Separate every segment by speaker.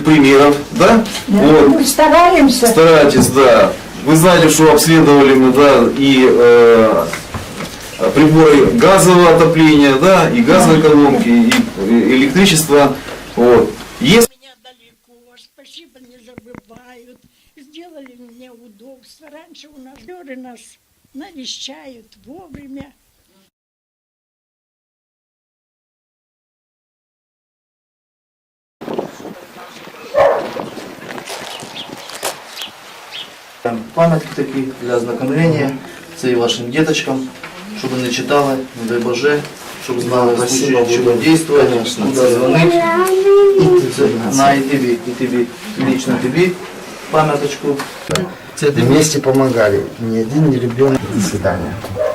Speaker 1: примеров, да? Вот.
Speaker 2: Мы стараемся.
Speaker 1: Старайтесь, да. Вы знаете, что обследовали мы, да, и приборы газового отопления, да, и газовые колонки, и электричество. Вот. Если
Speaker 3: Меня далеко, спасибо, не забывают. Сделали мне удобство. Раньше у нас дёры нас навещают вовремя.
Speaker 4: Пам'ятки такі для ознакомлення. Це і вашим діточкам, щоб не читали, не дай Боже, щоб знали, в случае чого дійсно, куди дзвонити. На і тобі, лично тобі пам'яточку. Це тобі.
Speaker 5: Вместе помогали. Ни один, ни ребенок. До свидания.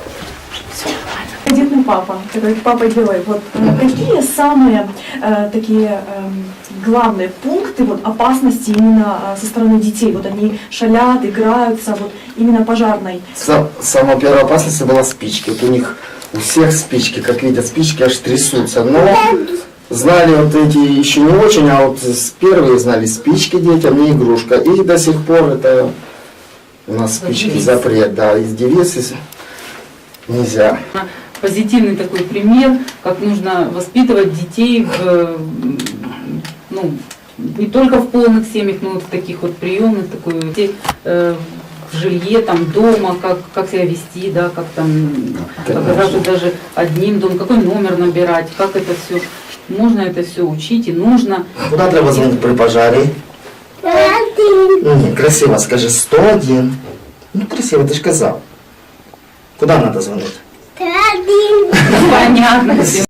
Speaker 6: Дедный папа, который папа-герой, вот какие самые такие главные пункты вот, опасности именно со стороны детей? Вот они шалят, играются, вот именно пожарной.
Speaker 5: Самая первая опасность была спички. Вот у них у всех спички, как видят, спички аж трясутся. Но знали вот эти еще не очень, а вот первые знали спички детям, не игрушка. И до сих пор это у нас спички запрет, да, из девиц нельзя.
Speaker 7: Позитивный такой пример, как нужно воспитывать детей не только в полных семьях, но вот в таких вот приемных, в жилье, там, дома, как себя вести, да, как там оказаться даже одним домом, какой номер набирать, как это все, можно это все учить и нужно.
Speaker 5: Куда треба звонить при пожаре? 101. Красиво скажи, 101. Ну красиво, ты же сказал. Куда надо звонить?
Speaker 7: 101. Понятно.